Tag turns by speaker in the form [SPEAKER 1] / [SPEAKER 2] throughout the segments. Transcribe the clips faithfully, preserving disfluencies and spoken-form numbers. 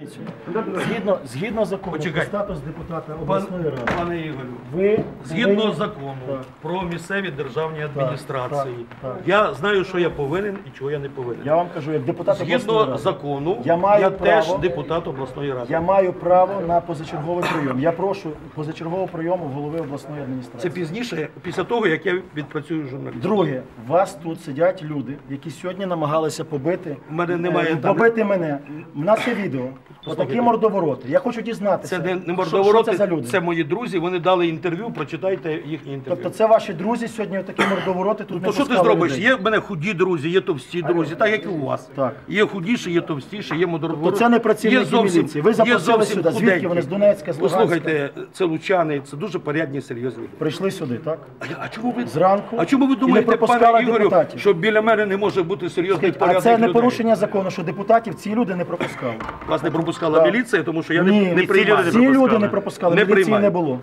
[SPEAKER 1] Згідно, згідно закону про
[SPEAKER 2] Почекайте.
[SPEAKER 1] статус депутата
[SPEAKER 2] Пан,
[SPEAKER 1] обласної ради,
[SPEAKER 2] пане Ігорю,
[SPEAKER 1] ви
[SPEAKER 2] згідно
[SPEAKER 1] повинні-
[SPEAKER 2] закону
[SPEAKER 1] Так.
[SPEAKER 2] про місцеві державні адміністрації,
[SPEAKER 1] так, так.
[SPEAKER 2] я знаю, що я повинен і чого я не повинен.
[SPEAKER 1] Я вам кажу, як депутат обласної
[SPEAKER 2] Згідно
[SPEAKER 1] ради,
[SPEAKER 2] закону,
[SPEAKER 1] я
[SPEAKER 2] я,
[SPEAKER 1] маю
[SPEAKER 2] теж
[SPEAKER 1] право-
[SPEAKER 2] депутат обласної ради.
[SPEAKER 1] я маю право на позачерговий прийом. Я прошу позачергового прийому голови обласної
[SPEAKER 2] Це
[SPEAKER 1] адміністрації.
[SPEAKER 2] пізніше, після того, як я відпрацюю журналістом.
[SPEAKER 1] Друге, у вас тут сидять люди, які сьогодні намагалися побити,
[SPEAKER 2] У мене немає
[SPEAKER 1] е,
[SPEAKER 2] там-
[SPEAKER 1] побити мене. У нас є відео. Отакі мордовороти. Я хочу дізнатися,
[SPEAKER 2] Це не, не
[SPEAKER 1] що-
[SPEAKER 2] мордовороти,
[SPEAKER 1] що це за люди.
[SPEAKER 2] це мої друзі, вони дали інтерв'ю, прочитайте їхні інтерв'ю.
[SPEAKER 1] Тобто це ваші друзі сьогодні отакі мордовороти тут не
[SPEAKER 2] То що ти
[SPEAKER 1] пускали
[SPEAKER 2] зробиш?
[SPEAKER 1] людей?
[SPEAKER 2] Є в мене худі друзі, є товсті друзі, так як і у вас.
[SPEAKER 1] Так.
[SPEAKER 2] Є худіші, є товстіші, є модеровороти.
[SPEAKER 1] Тобто це не працівники міліції. Ви запросили сюди. Звідки вони? З Донецька, з Луганська?
[SPEAKER 2] Послухайте, це лучани, це дуже порядні, серйозні люди.
[SPEAKER 1] Прийшли сюди, так?
[SPEAKER 2] А я- А чому ви
[SPEAKER 1] Зранку
[SPEAKER 2] А чому ви
[SPEAKER 1] і не
[SPEAKER 2] думаєте,
[SPEAKER 1] пропускали
[SPEAKER 2] пане Ігорю,
[SPEAKER 1] депутатів?
[SPEAKER 2] що біля мене не може бути серйозний
[SPEAKER 1] А
[SPEAKER 2] порядних
[SPEAKER 1] це не
[SPEAKER 2] людей?
[SPEAKER 1] порушення закону, що депутатів ці люди не пропускали.
[SPEAKER 2] Вас не пропускала
[SPEAKER 1] Так.
[SPEAKER 2] міліція, тому що я
[SPEAKER 1] Ні,
[SPEAKER 2] не, не
[SPEAKER 1] ці
[SPEAKER 2] приймаю.
[SPEAKER 1] Ці люди не пропускали,
[SPEAKER 2] Не
[SPEAKER 1] міліції
[SPEAKER 2] приймаю.
[SPEAKER 1] не було.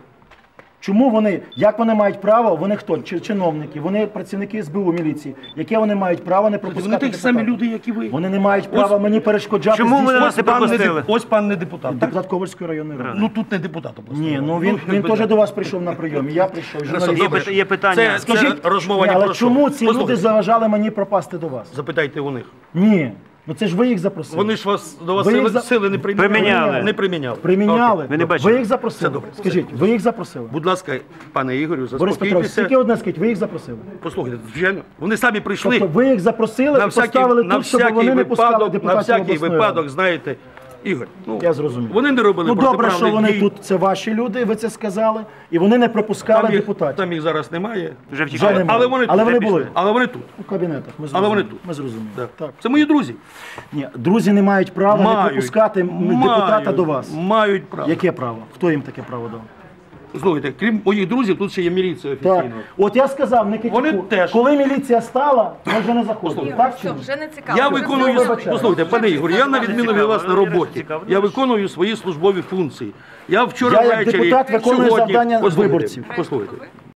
[SPEAKER 1] Чому вони, як вони мають право, вони хто? Чи- Чиновники, вони працівники СБУ міліції, яке вони мають право не пропускати
[SPEAKER 2] Вони такі самі
[SPEAKER 1] депутатів?
[SPEAKER 2] люди, як і ви.
[SPEAKER 1] Вони не мають права мені перешкоджати.
[SPEAKER 3] Чому ви
[SPEAKER 1] здійснювати-
[SPEAKER 3] нас не
[SPEAKER 2] Ось пан не,
[SPEAKER 3] пропустили?
[SPEAKER 2] деп- ось пан не депутат. так?
[SPEAKER 1] Депутат Ковальської районної ради.
[SPEAKER 2] Ну тут не депутат обласної.
[SPEAKER 1] Ні,
[SPEAKER 2] ради.
[SPEAKER 1] ну він, він
[SPEAKER 2] якби
[SPEAKER 1] теж
[SPEAKER 2] так.
[SPEAKER 1] до вас прийшов на прийом, і я прийшов. журналіст.
[SPEAKER 3] Є пи- є питання.
[SPEAKER 2] Це,
[SPEAKER 1] Скажіть,
[SPEAKER 2] це розмова
[SPEAKER 1] ні,
[SPEAKER 2] не
[SPEAKER 1] але
[SPEAKER 2] про що.
[SPEAKER 1] чому ці люди
[SPEAKER 2] Послухайте,
[SPEAKER 1] заважали мені пропасти до вас?
[SPEAKER 2] запитайте у них.
[SPEAKER 1] Ні, ну це ж ви їх запросили.
[SPEAKER 2] Вони ж вас до вас
[SPEAKER 1] Ви
[SPEAKER 2] сили,
[SPEAKER 1] їх за-
[SPEAKER 2] сили не приміняли.
[SPEAKER 3] Приміняли.
[SPEAKER 2] Не приміняли.
[SPEAKER 1] Приміняли.
[SPEAKER 3] Ви не бачили?
[SPEAKER 1] Ви їх запросили.
[SPEAKER 2] Все добре.
[SPEAKER 1] Скажіть, ви їх запросили?
[SPEAKER 2] Будь ласка, пане Ігорю,
[SPEAKER 1] Борис Петрович,
[SPEAKER 2] заспокійтеся.
[SPEAKER 1] тільки одне скажіть, ви їх запросили?
[SPEAKER 2] Послухайте, звичайно, вони самі прийшли.
[SPEAKER 1] Тобто ви їх запросили
[SPEAKER 2] на
[SPEAKER 1] і
[SPEAKER 2] всякий,
[SPEAKER 1] поставили
[SPEAKER 2] на
[SPEAKER 1] тут, щоб
[SPEAKER 2] всякий
[SPEAKER 1] вони не пускали
[SPEAKER 2] випадок, на
[SPEAKER 1] депутатів
[SPEAKER 2] всякий
[SPEAKER 1] обласної
[SPEAKER 2] випадок,
[SPEAKER 1] ради.
[SPEAKER 2] знаєте, Ігор, ну,
[SPEAKER 1] Я зрозумів.
[SPEAKER 2] вони не робили
[SPEAKER 1] Ну добре, що
[SPEAKER 2] протиправних
[SPEAKER 1] вони
[SPEAKER 2] дій.
[SPEAKER 1] тут, це ваші люди, ви це сказали, і вони не пропускали
[SPEAKER 2] Там їх,
[SPEAKER 1] депутатів.
[SPEAKER 2] там їх зараз немає.
[SPEAKER 3] Вже
[SPEAKER 1] Вже
[SPEAKER 3] втікали.
[SPEAKER 1] немає.
[SPEAKER 2] Але вони
[SPEAKER 1] Але
[SPEAKER 2] тут.
[SPEAKER 1] вони
[SPEAKER 2] Вже
[SPEAKER 1] були.
[SPEAKER 2] пішли. Але вони тут.
[SPEAKER 1] У кабінетах, ми
[SPEAKER 2] Але
[SPEAKER 1] зрозуміли.
[SPEAKER 2] вони тут.
[SPEAKER 1] Ми зрозуміли.
[SPEAKER 2] Так.
[SPEAKER 1] Так.
[SPEAKER 2] Це мої друзі.
[SPEAKER 1] Ні, друзі не мають права не
[SPEAKER 2] Мають.
[SPEAKER 1] пропускати м, депутата
[SPEAKER 2] Мають.
[SPEAKER 1] до вас.
[SPEAKER 2] Мають право.
[SPEAKER 1] Яке право? Хто їм таке право дав?
[SPEAKER 2] Слухайте, крім моїх друзів, тут ще є міліція
[SPEAKER 1] Так.
[SPEAKER 2] офіційно.
[SPEAKER 1] От я сказав, не
[SPEAKER 2] Вони
[SPEAKER 1] критику.
[SPEAKER 2] теж.
[SPEAKER 1] Коли міліція стала, ми вже не заходимо. Так чи
[SPEAKER 4] Все,
[SPEAKER 1] ні?
[SPEAKER 4] вже не цікаво.
[SPEAKER 2] Я
[SPEAKER 4] Вже
[SPEAKER 2] виконую,
[SPEAKER 4] все
[SPEAKER 1] вибачаю.
[SPEAKER 2] послухайте, пане Ігор, я на відміну від вас на роботі. Я виконую свої службові функції. Я вчора
[SPEAKER 1] Я як
[SPEAKER 2] ввечері,
[SPEAKER 1] депутат виконую
[SPEAKER 2] сьогодні,
[SPEAKER 1] завдання
[SPEAKER 2] послухайте,
[SPEAKER 1] виборців.
[SPEAKER 2] Послухайте,